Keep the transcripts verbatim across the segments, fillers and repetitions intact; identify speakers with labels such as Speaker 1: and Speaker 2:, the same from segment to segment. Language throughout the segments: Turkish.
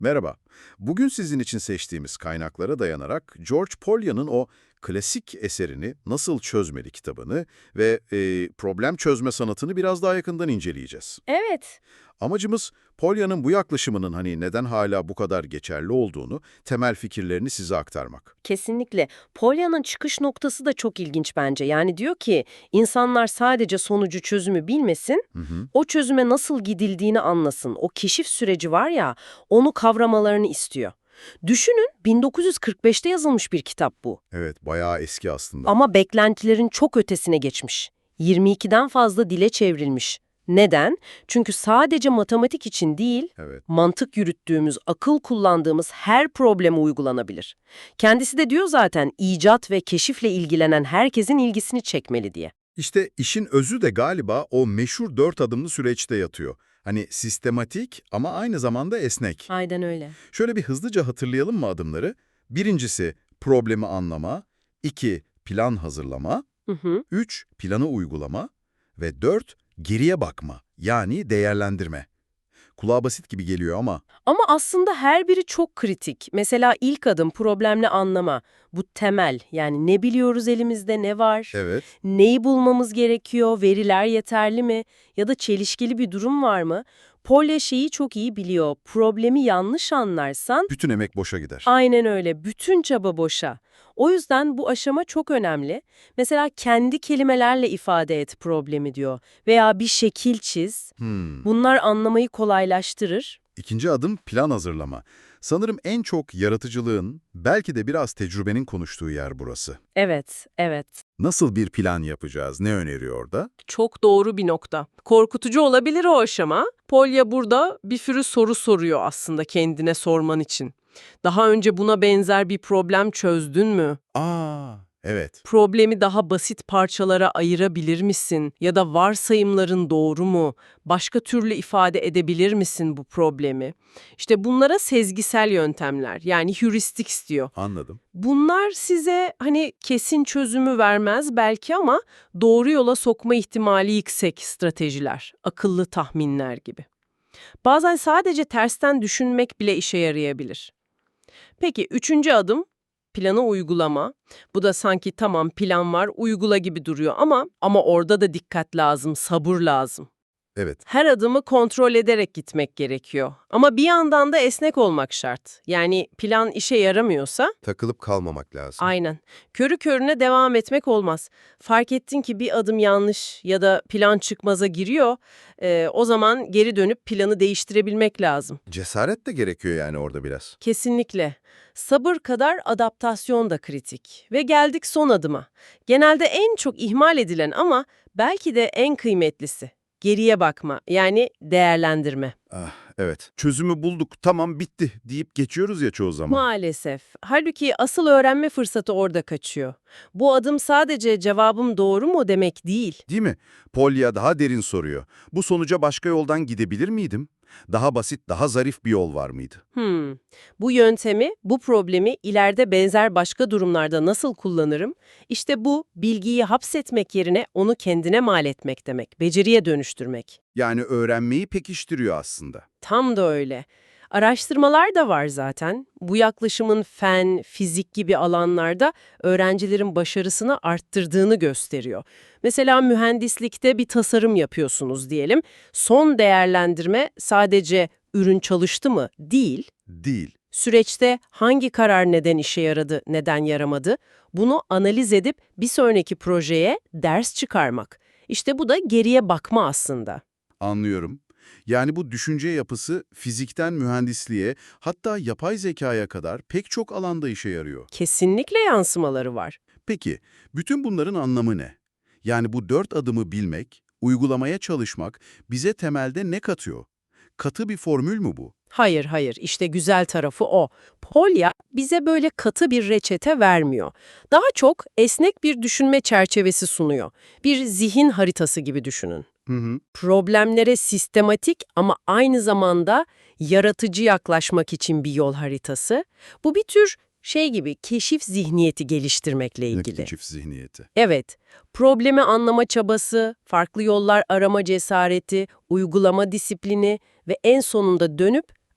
Speaker 1: Merhaba. Bugün sizin için seçtiğimiz kaynaklara dayanarak George Polya'nın o klasik eserini Nasıl Çözmeli kitabını ve e, problem çözme sanatını biraz daha yakından inceleyeceğiz.
Speaker 2: Evet,
Speaker 1: Amacımız Polya'nın bu yaklaşımının hani neden hala bu kadar geçerli olduğunu, temel fikirlerini size aktarmak.
Speaker 2: kesinlikle. Polya'nın çıkış noktası da çok ilginç bence. Yani diyor ki, insanlar sadece sonucu çözümü bilmesin,
Speaker 1: Hı hı.
Speaker 2: o çözüme nasıl gidildiğini anlasın. O keşif süreci var ya, onu kavramalarını istiyor. Düşünün, bin dokuz yüz kırk beşte yazılmış bir kitap bu.
Speaker 1: Evet, bayağı eski aslında.
Speaker 2: Ama beklentilerin çok ötesine geçmiş. yirmi ikiden fazla dile çevrilmiş. Neden? Çünkü sadece matematik için değil,
Speaker 1: Evet.
Speaker 2: mantık yürüttüğümüz, akıl kullandığımız her probleme uygulanabilir. Kendisi de diyor zaten icat ve keşifle ilgilenen herkesin ilgisini çekmeli diye.
Speaker 1: İşte işin özü de galiba o meşhur dört adımlı süreçte yatıyor. Hani sistematik ama aynı zamanda esnek.
Speaker 2: Aynen öyle.
Speaker 1: Şöyle bir hızlıca hatırlayalım mı adımları? Birincisi problemi anlama, iki plan hazırlama,
Speaker 2: Hı hı.
Speaker 1: üç planı uygulama ve dört geriye bakma yani değerlendirme. Kulağa basit gibi geliyor ama
Speaker 2: Ama aslında her biri çok kritik. Mesela ilk adım problemli anlama. Bu temel. Yani ne biliyoruz elimizde, ne var?
Speaker 1: evet,
Speaker 2: Neyi bulmamız gerekiyor? Veriler yeterli mi? Ya da çelişkili bir durum var mı? Polya şeyi çok iyi biliyor. Problemi yanlış anlarsan
Speaker 1: bütün emek boşa gider.
Speaker 2: aynen öyle. Bütün çaba boşa. O yüzden bu aşama çok önemli. Mesela kendi kelimelerle ifade et problemi diyor. Veya bir şekil çiz.
Speaker 1: Hmm.
Speaker 2: Bunlar anlamayı kolaylaştırır.
Speaker 1: İkinci adım plan hazırlama. Sanırım en çok yaratıcılığın, belki de biraz tecrübenin konuştuğu yer burası.
Speaker 2: Evet, evet.
Speaker 1: Nasıl bir plan yapacağız? Ne öneriyor orada?
Speaker 3: Çok doğru bir nokta. Korkutucu olabilir o aşama. Polya burada bir sürü soru soruyor aslında kendine sorman için. Daha önce buna benzer bir problem çözdün mü?
Speaker 1: Aa, evet.
Speaker 3: Problemi daha basit parçalara ayırabilir misin? Ya da varsayımların doğru mu? Başka türlü ifade edebilir misin bu problemi? İşte bunlara sezgisel yöntemler, yani heuristics diyor.
Speaker 1: Anladım.
Speaker 3: Bunlar size hani kesin çözümü vermez belki ama doğru yola sokma ihtimali yüksek stratejiler, akıllı tahminler gibi. Bazen sadece tersten düşünmek bile işe yarayabilir. Peki üçüncü adım planı uygulama. Bu da sanki tamam plan var, uygula gibi duruyor ama ama orada da dikkat lazım, sabır lazım.
Speaker 1: Evet.
Speaker 3: Her adımı kontrol ederek gitmek gerekiyor. Ama bir yandan da esnek olmak şart. Yani plan işe yaramıyorsa
Speaker 1: Takılıp kalmamak lazım.
Speaker 3: aynen. Körü körüne devam etmek olmaz. Fark ettin ki bir adım yanlış ya da plan çıkmaza giriyor. Ee, o zaman geri dönüp planı değiştirebilmek lazım.
Speaker 1: Cesaret de gerekiyor yani orada biraz.
Speaker 3: Kesinlikle. Sabır kadar adaptasyon da kritik. Ve geldik son adıma. Genelde en çok ihmal edilen ama belki de en kıymetlisi. Geriye bakma, yani değerlendirme.
Speaker 1: Ah, evet. Çözümü bulduk, tamam bitti deyip geçiyoruz ya çoğu zaman.
Speaker 3: Maalesef. Halbuki asıl öğrenme fırsatı orada kaçıyor. Bu adım sadece cevabım doğru mu demek değil.
Speaker 1: Değil mi? Polya daha derin soruyor. Bu sonuca başka yoldan gidebilir miydim? Daha basit, daha zarif bir yol var mıydı?
Speaker 3: Hmm. Bu yöntemi, bu problemi ileride benzer başka durumlarda nasıl kullanırım? İşte bu, bilgiyi hapsetmek yerine onu kendine mal etmek demek, beceriye dönüştürmek.
Speaker 1: Yani öğrenmeyi pekiştiriyor aslında.
Speaker 3: Tam da öyle. Araştırmalar da var zaten. Bu yaklaşımın fen, fizik gibi alanlarda öğrencilerin başarısını arttırdığını gösteriyor. Mesela mühendislikte bir tasarım yapıyorsunuz diyelim. Son değerlendirme sadece ürün çalıştı mı değil,
Speaker 1: Değil.
Speaker 3: süreçte hangi karar neden işe yaradı, neden yaramadı, bunu analiz edip bir sonraki projeye ders çıkarmak. İşte bu da geriye bakma aslında.
Speaker 1: Anlıyorum. Yani bu düşünce yapısı fizikten mühendisliğe, hatta yapay zekaya kadar pek çok alanda işe yarıyor.
Speaker 3: Kesinlikle yansımaları var.
Speaker 1: Peki, bütün bunların anlamı ne? Yani bu dört adımı bilmek, uygulamaya çalışmak bize temelde ne katıyor? Katı bir formül mü bu?
Speaker 3: Hayır, hayır. İşte güzel tarafı o. Polya bize böyle katı bir reçete vermiyor. Daha çok esnek bir düşünme çerçevesi sunuyor. Bir zihin haritası gibi düşünün.
Speaker 1: Hı hı.
Speaker 3: Problemlere sistematik ama aynı zamanda yaratıcı yaklaşmak için bir yol haritası. Bu bir tür şey gibi keşif zihniyeti geliştirmekle ilgili.
Speaker 1: Keşif zihniyeti.
Speaker 3: Evet, problemi anlama çabası, farklı yollar arama cesareti, uygulama disiplini ve en sonunda dönüp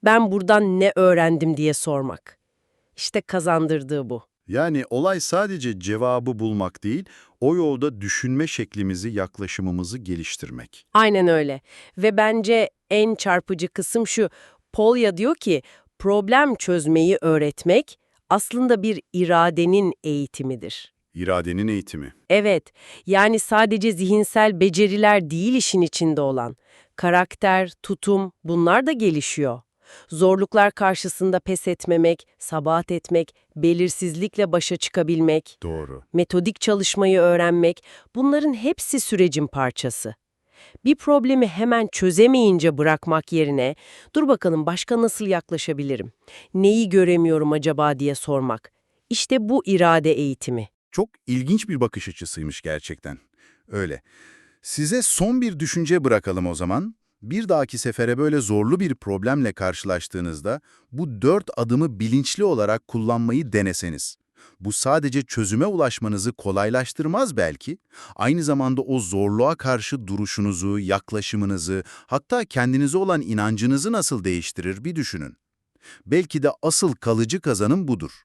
Speaker 2: ben buradan ne öğrendim diye sormak. İşte kazandırdığı bu.
Speaker 1: Yani olay sadece cevabı bulmak değil, o yolda düşünme şeklimizi, yaklaşımımızı geliştirmek.
Speaker 2: Aynen öyle. Ve bence en çarpıcı kısım şu. Polya diyor ki, problem çözmeyi öğretmek aslında bir iradenin eğitimidir.
Speaker 1: İradenin eğitimi.
Speaker 2: Evet, yani sadece zihinsel beceriler değil işin içinde olan. Karakter, tutum, bunlar da gelişiyor. Zorluklar karşısında pes etmemek, sabahat etmek, belirsizlikle başa çıkabilmek,
Speaker 1: Doğru.
Speaker 2: metodik çalışmayı öğrenmek, bunların hepsi sürecin parçası. Bir problemi hemen çözemeyince bırakmak yerine, dur bakalım başka nasıl yaklaşabilirim, neyi göremiyorum acaba diye sormak. İşte bu irade eğitimi.
Speaker 1: Çok ilginç bir bakış açısıymış gerçekten. Öyle. Size son bir düşünce bırakalım o zaman. Bir dahaki sefere böyle zorlu bir problemle karşılaştığınızda bu dört adımı bilinçli olarak kullanmayı deneseniz. Bu sadece çözüme ulaşmanızı kolaylaştırmaz belki, aynı zamanda o zorluğa karşı duruşunuzu, yaklaşımınızı, hatta kendinize olan inancınızı nasıl değiştirir bir düşünün. Belki de asıl kalıcı kazanım budur.